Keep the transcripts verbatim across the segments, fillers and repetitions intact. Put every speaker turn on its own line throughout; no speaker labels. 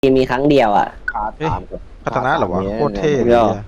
มีครั้งเดียวอ่ะ
ขาดสาม
พัฒนาเหรอวะโคตรเท่เลย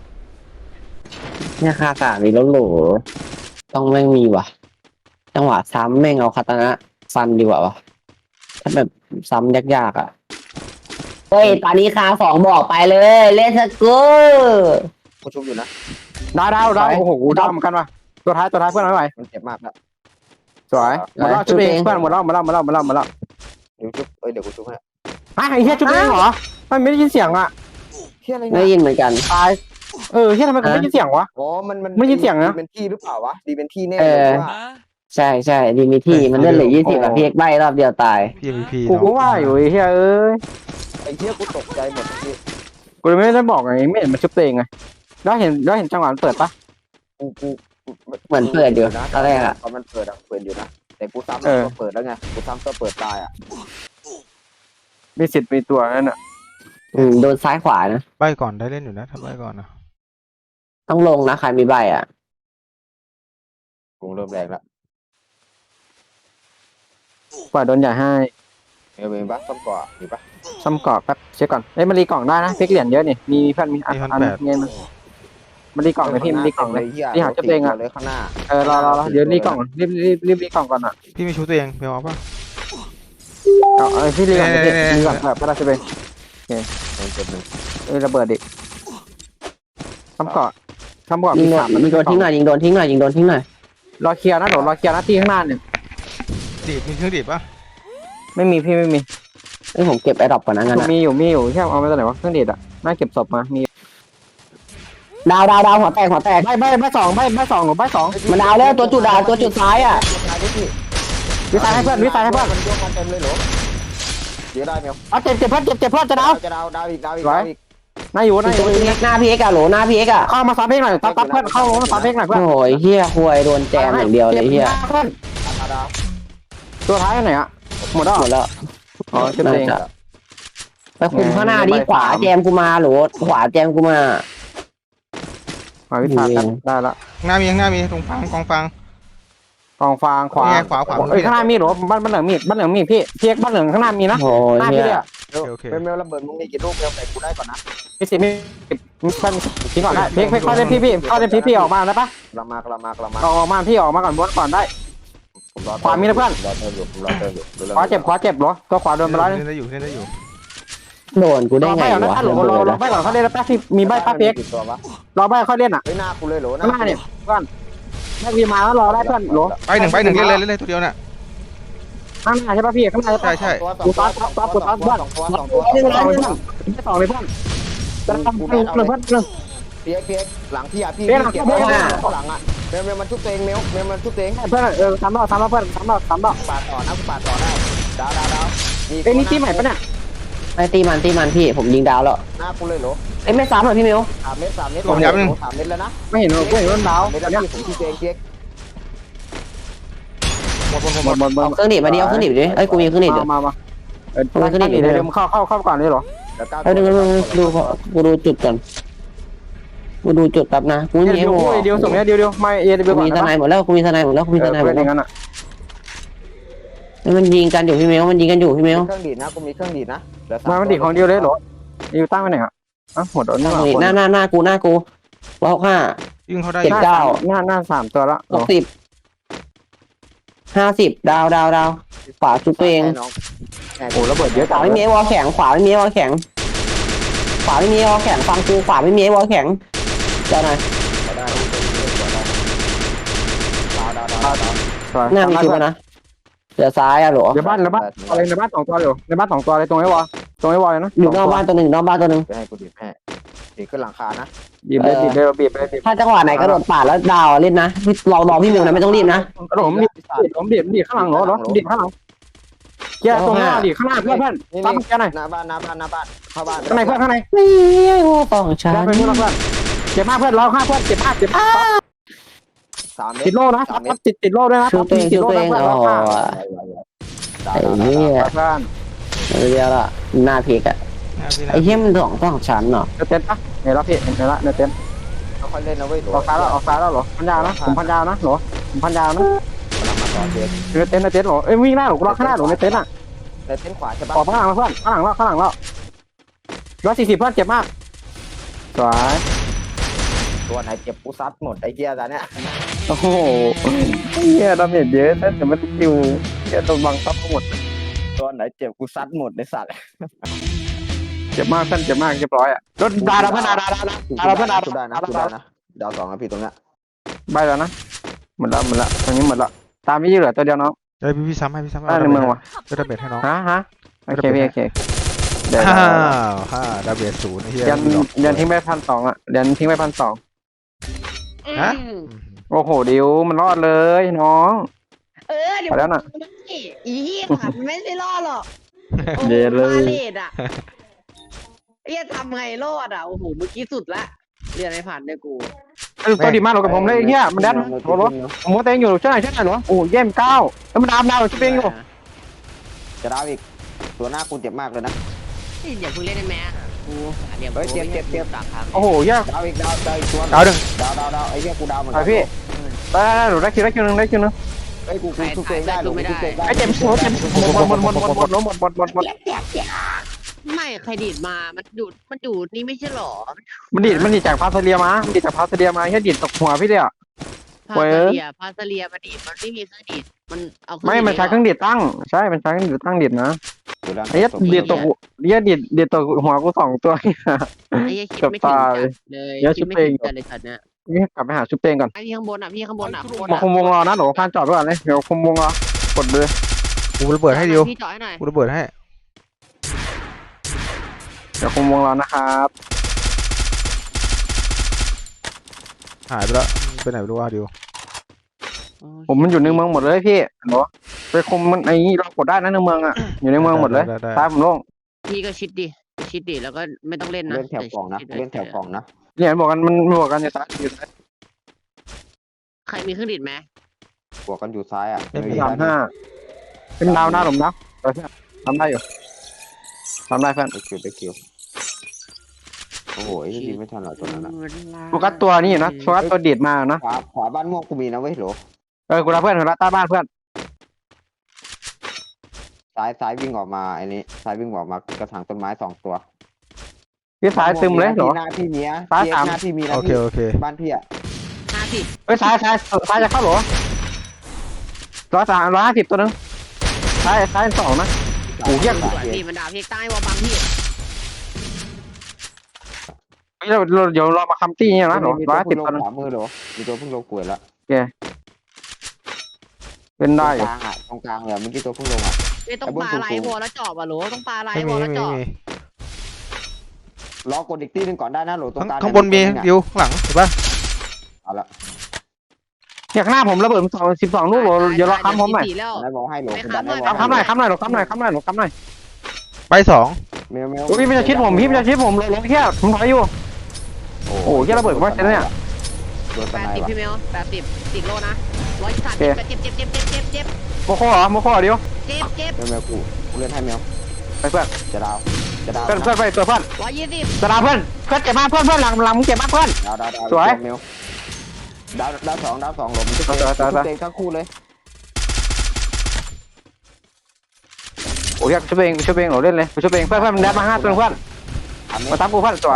เนี่ยคาสามมีแล้วโหลต้องแม่งมีว่ะจังหวะซ้ำแม่งเอาคาตานะฟันดีกว่าวะถ้าแบบซ้ำยากๆอ่ะเฮ้ยตอนนี้คาสองบอกไปเลยเลสกู
กูชุบอยู่นะ
ดาวดาวดาวโอ้โหดาวเหมือนกันว่ะตัวท้ายตัวท้ายเพื่อนเอาไว้
มันเจ็บมากแล้ว
สวยหมดแล้วชุบเองเพื่อนหมดแล้วหมดแล้วหมดแล้วหมดแล้วหมดแล้ว
เดี๋ยวชุบเอ้ยเดี๋ยวกูชุบให้
ฮะไอ้เหี้ยชุบเองเหรอมันไม่ได้ยินเสียงอ่ะ
เฮียอะไร
ได้
เนี่ย
ยินเหมือนกัน
ตายเออเหี้ยทำไมกูไม่ได้ยินเสียงวะ
อ๋อมันมัน
ไม่ยินเสียงนะ
ดีเป็นที่หรือเปล่าวะดีเป็นที่แน่
เอ
เลย
อ
ว่า
ใช่ใช่ดีมีที่มันเลื่อนเหลือยี่สิบอะพี่เอกใบรอบเดียวตาย
พี เอ็ม วี พี
กูก็
เนาะ
ว่าอยู่ไอ้เหี้ยเอ้ย
ไอ้เฮียกูตกใจหมดที่
กูเลยไม่ได้บอกไงไม่เห็นมันชุบตัวเองไงแล้วเห็นแล้วเห็นจังหวะมันเปิดปะ
กูกู
เหมือนเปิดอยู่
นะ
ตอนแรกอะ
ตอนมันเปิดอะเปิดอยู่นะแต่กูซ้ำ
เออ
ก็เปิดแล้วไงกูซ้ำก็เปิดตายอ่ะ
มีสิทธิ์มีตัวนั่นน่ะ
อืมโดนซ้ายขวานะ
ใบก่อนได้เล่นอยู่นะถ้าใบก่อนนะ
ต้องลงนะใครมีใบอ่ะ
กูเริ่มแรงแล้ว
ปล่อยโดนใหญ่ให้
เออเป็นปะซ้ำก่อมีปะ
ซ้ำกรอบแป๊บเช็คก่อนเอ้ยมันรีกล่องได้นะเพ็กเหรียญเยอะนี่มีเพื่อนมีอันอันเงี้ยมันมันรีกล่องเลยพี่มันรีกล่องเลย
เฮีย
ที่หาชุบตัวเองอะ
เลยข้างหน้า
เออรอรอรอเดี๋ยวรีกล่องรีบรีบรีบรีกล่องก่อนอ่ะ
พี่ไม่ชูตัวเองเพียวเอาป่ะ
เอาเออพี่รีก่อน
เนี่ย
พี่
เนี่ย
รีก่อนแบบไม่ได้ชุบเอง
มันเจ็บหนึ่ง
เอ้ยระเบิดดิซ้ำกรอบซ้ำกรอบ
ยิ
มี
งโด
สาน ม
ยิงโดนทิ้งหน่อยยิงโดนทิ้งหน่อยยิงโดนทิ้งหน่อย
รอเคลียร์นะเดี๋ยวรอเคลียร์นะที่ข้างหน้าเนี่ย
ดีดมีเครื่องดีดป่ะ
ไม่มีพี่ไม่มี
เอ้ยผมเก็บไอ้ดรอปก่อนนะงั้นอะ
มีอยู่มีอยู่แค่เอามาจากไหนวะเครื่องดีดอะน่าเก็บศพมามี
ดาวดาวดาวหัวแตกหัวแตก
ใบใบใบสองใบใบสองหรือใบสอง
มันดาวแล้วตัวจุดดาวตัวจุดซ้ายอ่ะ
วิสัยให้เพื่อนวิสัยให้เพื่อน
มันโยกมาเต็มเลยเหรอเดี๋ยวได้ไหม
เอาเจ็บเจ็บเพื่อนเจ็บเจ็บเพื่อนจะดาว
จะดาวดาวอีกดาวอีก
ไว้
ดาวอีก
น่าอยู่
ตั
น่าวอยู่
พีเอ็กหน้าพีเอ็กอะโหลหน้าพีเอ็กอะ
เข้ามาซับเพลงหน่อยซับซับเพื่อนเข้ามาซับเพลงหน่อยเพื่อน
โอ้ยเฮียควยโดนแจมอย่างเดียวเลยเฮีย
เพื่อน
ดาวดาว
ตัวท้ายไหนอะหมดแล้ว
หมดแล้ว
อ๋อเจ็บเอง
น่าจะไปคุมข้างหน้าดิขวาแจมกูมาโหลขวาแจมกูมา
มาวิชากันได้ละ
ข้างหน้ามีข้างหน้ามีตรงฟางกองฟาง
กองฟางขวา
นี่ไงขวาขวา
เอ้ยข้างหน้ามีหรอบ้านบ้านเหลืองมีบ้านเหลืองมีพี่พี่บ้านเหลืองข้างหน้ามีนะ
โอ้ย
หน้า
เฮี
พี่
ย
เลยอะ
โอเค
เป็นเมลระเบิดมึงมีกี่ลูกเมลใส่กูได้ก่อนนะ
มีสิมีมีบ้านทิ้งก่อนได้เพกเพกเข้าเล่นพี่พี่เข้าเล่นพี่พี่ออกมาได้ปะ
กระมากระมากระมา
ออกมาพี่ออกมาก่อนบนก่อนได้
ผมรอ
ขวามีนะเพื่อน
รอเติมอยู่ผมรอเติมอยู่
ขวาเจ็บขวาเจ็บเหรอตัวขวาโดนไปแล้ว
เล่นได้อยู่เล่นได้อยู่
โดนกูได้ไง
รอ
วะ
หลงรอรอไปก่อนเขาเล่นแล้วแป๊บที่มีใบป้าเพ็ก
ตัววะ
รอใบเขาเล่นอ่ะ
เฮ้ยหน้ากูเลยโหล
ข้างหน้าเนี่ยเพื่อนถ้าวีมาแล้วรอได้เพื่อนหล
ใบหนึ่งใบหนึ่งเล่นเลยเล่นเลยตัวเดียวน่ะ
ข้างหน้าใช่ป่ะพี่ข้างหน้าใช่
ใช่
ป่ะ
ใช่
ตัวสองตัวสองตัวสองตัวสองตัวสองตัว
สองเลยเพื่อนไม่สองเลยเพื่อนจะทำเพื่อนเพื่อนเพื่อน
เพียกเพียกหลังพี่อ่ะพี่
เพี้ยหลัง
เก็บ
เพี้
ไว้
ยหลัง
ข้างหลังอ่ะเมลเมลมันชุบตัวเองเมลเมลมันชุบตัวเอง
เพื่อนเออสามรอบสามรอบเพื่อนสามรอบสามรอบ
ปาดต่อนะกูปาดต่อได้ดาวดาวดาว
เอ้ยนี่ทีใหม่ปะเนี่ย
ไอ้ตีมันตีมันพี่ผมยิงดาวแล้ว
หน้ากูเลยโหล
เอ้ยไม่ซ้ำหรอพี่มิว
สามเมตรสามเมตร
ผมย้ำหนึ่ง
สามเมตรแล้วนะ
ไม่เห็นว่าไม่เห็นว่าดาว
เมตรแล้วพี่ผมที่เจงเพียก
หมดหมดหมด
หมดหมดหมด
เอาเครื่องดิบมาดิเอาเครื่องดิบดิเอ้ยกูมีเครื่องดิบ
มา
ดิ
มามาเออ
เอาขึ้นอีก
เดี๋ยวมึงเข้าเข้าเข้าก่อนเลยเหรอ
แล้วก้าว
เอ้ยดูดูกูดูจุดก่อนกูดูจุดแป๊บนะกู
เดี๋
มี
ยว
ไอ้โห
เดี๋ยวส่งเนี้ยเดี๋ยวเดี๋ยวไม่เอเดี๋ยว
กู
ก่อน
มีท
นะ
นายหมดแล้วกูมีทนายหมดแล้วกูมีทนายหม
เพื่อ
ด
นอ
แล้ว
ย่างนั้นอ่ะ
มันยิงกันอยู่พี่มิวมันยิงกันอยู่พี่มิว
เครื่องดีดนะกูมีเครื่องดีดนะ
มามันดีของเดียวเลยเหรออยู่ตั้งไว้ไหนอ่ะอ่ะหมดแล้วนี่
หน้าหน้าหน้ากูหน้ากูว้าวห้า
ยิงเขาได้
เจ็ดเก้า
หน้าหน้าสามตัวละ
หกสิบห้าสิบดาวดาวดาวขวาจุดตัวเอง
โอ้ระเบิดเยอะ
ขวาไม่มีไอ้วอลแข็งขวาไม่มีไอ้วอลแข็งขวาไม่มีไอ้วอลแข็งฟังกูขวาไม่มีไอ้วอลแข็งเจ้าหน่อย
ได้ดาวดาวดาวดาว
หน้ามีคิวนะเดี๋ยวซ้ายอะหรอ
เดี๋ยวบ้านในบ้านอะไรในบ้านสองตัวเลยในบ้านสองตัวเลยตรงไอ้วอลตรงไอ้วอลเลยนะ
อยู่นอกบ้านตัวหนึ่งนอกบ้านตัวหนึ่ง
จะให้กูดีบให้ดีขึ้นหลังคานะ
บีบเลยบีบเลยบีบเลยบีบ
ถ้าจังหวะไหนกระโดดปาดแล้วดาวเล่นนะเรารอพี่มิวนะไม่ต้องรีบนะ
กระโดดบีบผมบีบบีบข้างหลังเหรอเหรอบีบข้างหลังแกตรงหน้าดิข้างหน้าเพื่อนเพื่อนตามแกหน่อย
หน้าบ้านหน้าบ้านหน้าบ้านเข้าบ้าน
ข้างในเพื่อนข้างใน
นี่โอ้ต้องฉัน
ได้ไปเพื่อนเพื่อนเจ็บมากเพื่อนร้องห้าเพื่อนเจ็บมากเจ็บมาก
สามเมต
ติด
ร
โล่นะติดติดโล่ด้วยนะ
ชูตัวเอง
ติ
ชู
ดโล่
ตัวเอง
นะเพื่อน
โอ้
ร้องห้า
ไอ้เนี่ย
เพื่อน
เดียวละหน้าเพกอะไอ้เหี้ยมันสองสองชั้นเนาะ
เนื้อเต็นปะเห็นแล้วพี่เห็นแล้วเนื้อเต็น
ค่อยเล่นนะเว้ย
ออกซ้ายแล้วออกซ้ายแล้วเหรอพันยาวนะผมพันยาวนะเหรอผมพันยาวนะ
กำลังมาต่อเจ็บ
เนื้อเต็นเนื้อเต็นเหรอเอ้ยวิ่งหน้าหรอกูรอข้างหน้าหรอเนื้อเต็นอ่ะ
ในเส้นขวาใช่ปะ
ออกข้างหลังมาเพื่อนข้างหลังแล้วข้างหลังแล้วร้อยสี่สิบเพื่อนเจ็บมากสวย
ตัวไหนเจ็บกูซัดหมดไอ้เหี้ยตอนเนี้ย
โอ้โหเฮียดาเมจเยอะแต่แต่ไม่ได้คิวเฮียโดนบังคับหมด
ตัวไหนเจ็บกูซัดหมดในสัตว์
เจ็บมากเพื่อนเจ็บมากเรียบร้อยอ่ะรถดาดาเพื่อนดาดาดาดาดาดาเพื่อนดา
กูได้นะ
ดา
กู
ดา
ได้นะดาวสองนะพี่ตรงเนี้ย
ใบแล้วนะหมดแล้วหมดแล้วตอนนี้หมดแล้วตามพี่เหลือตัวเดียวน้อง
เอ้ยพี่พี่ซ้ำให้พี่ซ้ำให้
ได้ในเมืองวะ
จะได้เบสให้น้อง
ฮะฮะโอเคพี่โอเคเดี๋ยว
ฮ่าฮ่าดาเบสศูนย์ไอ้เหี้ย
เรียนเรียนทิ้งไปพันสองอ่ะเรียนทิ้งไปพันสอง
ฮะ
โอ้โหดิวมันรอดเลยน้อง
เออเดี๋ย
ไป
ว
แล้วน่ะ
นี่อีเหี้ยค่ะมันไม่ได้รอดหรอกโอ้โห
เย็นเลย
บาเลตอ่ะเหี้ยทำไงรอดอ่ะโอ้โหเมื่อกี้สุดละเรียนไม่ผ่านด้วยกู
เออตัวดีมากหรอกกับผมเลยไอ้เฮียมันแดนโอ้โหผมว่าเต้งอยู่ช่วยหน่อยช่วยหน่อยหรอโอ้เยี่ยมเก้าแล้วมันดามดาวช่วยเต้งอยู่
จะดาวอีกตัวหน้ากูเจ็บมากเลยนะ
เฮ้ยเดี๋ยวเพิ่งเล่นได้ไหมอะกูเดี๋ยว
เฮ้ยเจ็บเจ็บเจ็บ
สามครั้ง
โอ้โหเยี่ยม
ดาวอีกดาวดาวอีกตัว
ดาวหนึ่ง
ดาวดาวดาวไอ้เหี้ยกูดาวเหมือน
ไป
กั
พี่ได้ได้หนูได้คิวได้คิวนึงได้คิวนึง
ไอ้ยกูกูทุกเกมได้หรอกูทุกเกมได้
ไอ้เจ็บโอ้เจ็บหมดหมดหมดหมดหมดหมดหมดหมดหมดหมด
ไม่ใครดีดมามันดูดมันดูดนี่ไม่ใช่หรอ
มันดีดมันดีดจากพาสเลียมามันดีดจากพาสเลียมาแค่ดีดตกหัวพี่เลยอ่ะ
พา
เว้ย
ซาเลียพาซาเลียมันดีดมันไม่มีเครื่องดีดมันเอาเครื่อง
ไม่มันใช้เครื่องดีดตั้งใช่มันใช้เครื่องดีดตั้งดีดนะ
กูดาว
ไอ้เหี้ยดีดตกเหี้ยดีดดีดตกหัวกูสองตัว
ไอ้เหี้ยคิดไม่ถึงจัดเลย
เดี๋ยว
คิดไม่
ชุบเอ
ถึ
ง
งจัดเลยสัตว์เนี่ย
นี่กลับไปหาชุบเตงก่อน
ไอ้พี่ข้างบนอ่ะพี่ข้างบนอ่ะข้างบน
มา
อ่ะ
คุมวงรอนะเดี๋ยวพานจอดไว้ก่อนเลยเดี๋ยวคุมวงรอกดเลย
กูระเบิดให้ดิว
พี่จ่อยหน่อย
กูระเบิดให้
เดี๋ยวคุมวงรอนะครับ
หายไปแล้วไปไหนไม่รู้ว่าดิว
ผมมันอยู่ในเมืองหมดเลยพี่เนาะไปคุมมันไอ้นี่เรากดได้นะในเมืองอ่ะอยู่ในเมืองหมดเลย
ได้ได้
ตายผมโล่ง
พี่ก็ชิดดิชิดดิแล้วก็ไม่ต้องเล่นนะ
เล่นแถวกล่องนะเล่นแถวกล่องนะ
เนี่ยบอกกันมันบอกกันอยู่ซ้ายอยู่ซ้าย
ใครมีเครื่องดีดไหม
บวกกันอยู่ซ้ายอ่ะ
สามห้าเป็นดาวหน้าหลุมนะเออเพื่อนทำได้อยู่ทำได้เพื่อน
ไปคิวไปคิวโอ้โหไอ้ยิงไม่ทันหรอกตัวนั้นนะ
โฟกัสตัวนี่อยู่นะโฟกัสตัวดีดมานะ
ขวาขวาบ้านม่วงกูมีนะเว้ยโหล
เออกูรับเพื่อนกูรับใต้บ้านเพื่อน
ซ้ายซ้ายวิ่งออกมาไอ้นี้ซ้ายวิ่งออกมากระถางต้นไม้สองตัว
พี่สายซึมเลยเหรอ
หน้าพี่เมีย
ซ้ายสาม
หน้าพี่มีนะ
โอเค
พี่
โอเค
บ้านพี่อ่ะ
ห้าสิบ
เฮ้ยซ้ายซ้ายซ้ายจะเข้าเหรอร้อยสามร้อยห้าสิบตัวนึงซ้ายซ้ายสองนะ โอ้โหเหี้ย
สวยพี่มันด่าพี่ใต้ว่าบังพี่
เฮ้ยเราเราเดี๋ยวเรามาคัมตี้เนี่ยนะเหรอ
มี
ร้
ตั
อ
วย
ห้าสิ
เพิ่
บ
งล
ตัว
ง
นึง
ขวามือเหรอมีตัวเพิ่งลงป่วยแล้ว
เป็นได้
ต
อ
รง
ยู่
กลางอ่ะตรงกลางเลยเมื่อกี้ตัวเพิ่งลงอ่ะ
ไม่ต้องปลาไหลวอลแล้วเจาะอ่ะโหลต้องปลาไหล
ไม่
ว
มี
อล
ไม่
แล้ว
มี
เจาะ
ไม่มี
รอกดอีกตีหนึงก่อนได้นะโหลตรง
ข้าง
กลาง
ข้างบนมีดิวข้างหลังเห็นปะ
เอาละ
อย่างหน้าผมระเบิดสองสิบสองลูกเหรอเดี๋ยวรอค้ำผมหน่อย
สี่แล้ว
ได้บอกให้โหล
ไม่
กู
ค้ำ
ดันได้
หน่อย
บอก
ค้ำหน่อยค้ำหน่อยหรอค้ำหน่อยค้ำหน่อยหรอค้ำหน่อย
ไปสอง
เมลเมล
โอ้ยพี่มันจะชิดผมพี่มันจะชิดผมเลยลงแค่ผมถอยอยู่ โอ้โหเหี้ยระเบิดว่าใช่เนี่ย
โดนส
แปด
ไน
สิบ
ว่ะ
พี่เมลแปดสิบติดโลนะร้อยสามสิบเจ็บเจ็บเจ็บเจ็บเจ็บเจ็บ
โมโคเหรอโมโคเหรอเดี๋ยว
เจ็บเจ็บ
เมลเมลกูกูเล่นให้เมล
ไปเพื่อน
จะดาวจะดาว
เพื่อนเพื่อนไปตัวเพื่อน
ร้อยยี่สิบ
จะดาวเพื่อนเพื่อนเจ็บมากเพื่อนเพื่อนหลังหลังมึงเจ็บมากเพื่อน
ดาวดาวดาว
สวย
เมลดาวดาวสองดาวสองหลบมันจะ
สวยสวยสวย
ทุกเตงทั้งคู่เลย
โอ้ยอยากช่วยเองช่วยเองเหรอเล่นเลยช่วยเองเพื่อนเพื่อนมันแดดมาห้าตัวเพื่อน
อันนี้
มาทับกูเพื่อนสวย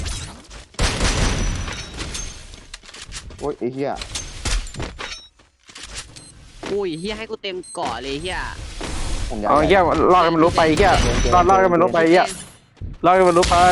โอ้ยไอ้เหี้ย
อุ้ยเฮียให้กูเต็มเกาะเลยเฮีย
ผมอยาก
เอาเหี้ยรอดกันมันรู้ไปเหี้ยรอดรอดกันมันรู้ไปเหี้ยรอดกันมันรู้ไป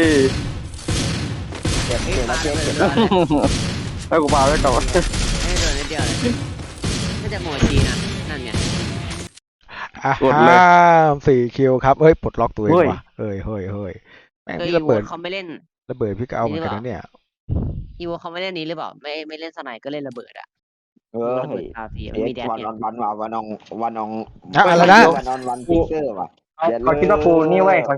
เก็บเก็บแล้วเก็บเก็บ
ให้กูพาไว้ก่อน
ให้เดินนิดเดียวเลยน่าจะโมชีนะนั่นไง
อ่ะห้าสี่คิวครับเฮ้ยปลดล็อกตัวเองว่ะเฮ้ยเฮ้ยเฮ้ยแม่ง
เฮ้ย
พี่
อี
ระ
โว
เบิด
เขาไม่เล่น
ระเบิดพี่ก็เอาเหมือนกันนะเนี่ย
อีโวเขาไม่เล่นนี้หรือเปล่าไม่ไม่เล่นสไนก็เล่นระเบิดอ่ะ
เออ
ระเบิดคาฟีมันมีแดด
วัน
เนี่ย
วันวันว่ะวันองวันอง
อะอะไรนะ
วันนอนวันพิกเซอร์ว่ะ
เขาคิดว่ากูนี่เว้ยเขา